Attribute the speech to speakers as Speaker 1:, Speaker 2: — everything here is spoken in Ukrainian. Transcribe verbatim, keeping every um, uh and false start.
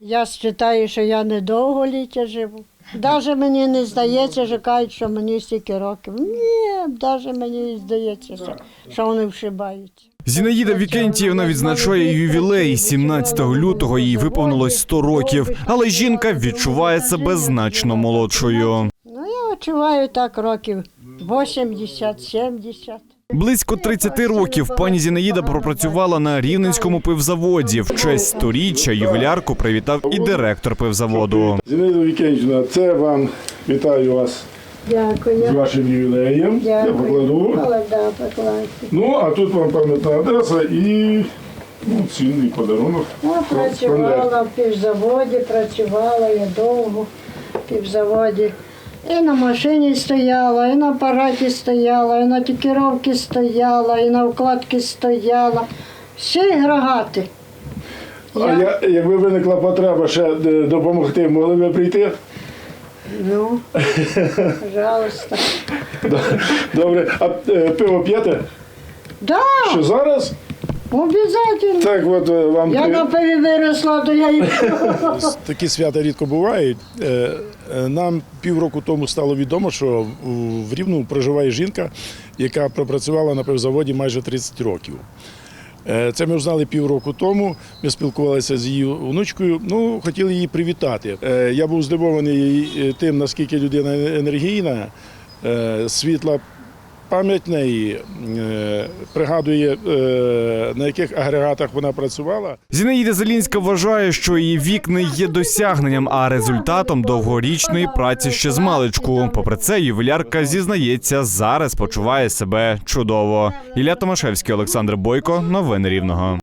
Speaker 1: Я вважаю, що я недовго ліття живу. Навіть мені не здається, що кажуть, що мені стільки років. Ні, навіть мені здається, що, що вони вшибаються.
Speaker 2: Зінаїда Вікентіївна відзначає ювілей. сімнадцятого лютого їй виповнилось сто років, але жінка відчуває себе значно молодшою.
Speaker 1: Ну, я відчуваю так років вісімдесят-сімдесят.
Speaker 2: Близько тридцяти років пані Зінаїда пропрацювала на Рівненському пивзаводі. В честь сторіччя ювілярку привітав і директор пивзаводу.
Speaker 3: Зінаїда Вікентівна, це вам, вітаю вас
Speaker 1: Дякую.
Speaker 3: з вашим ювілеєм. Я покладу.
Speaker 1: Да, покладьте.
Speaker 3: Ну, а тут вам пам'ятна адреса і ну, цінний подарунок.
Speaker 1: Я працювала в півзаводі, працювала я довго в півзаводі. І на машині стояла, і на апараті стояла, і на тікіровці стояла, і на вкладці стояла. Всі рогати.
Speaker 3: А я, якби виникла потреба ще е, допомогти, могли б ви прийти?
Speaker 1: Ну, пожалуйста.
Speaker 3: Добре, а е, пиво п'єте?
Speaker 1: Да,
Speaker 3: Що зараз?
Speaker 1: обов'язково.
Speaker 3: Так от е, вам
Speaker 1: Я
Speaker 3: привіт.
Speaker 1: на пиві виросла, то я і
Speaker 4: Такі свята рідко бувають. Е, е, Нам півроку тому стало відомо, що в- в Рівному проживає жінка, яка пропрацювала на пивзаводі майже тридцять років. Е, Це ми знали півроку тому, ми спілкувалися з її онучкою, ну, хотіли її привітати. Е, Я був здивований е, тим, наскільки людина енергійна, е, світла пам'ять неї, е, пригадує, е, на яких агрегатах вона працювала.
Speaker 2: Зінаїда Зелінська вважає, що її вік не є досягненням, а результатом довгорічної праці ще з маличку. Попри це, ювілярка зізнається, зараз почуває себе чудово. Ілля Томашевський, Олександр Бойко. Новини Рівного.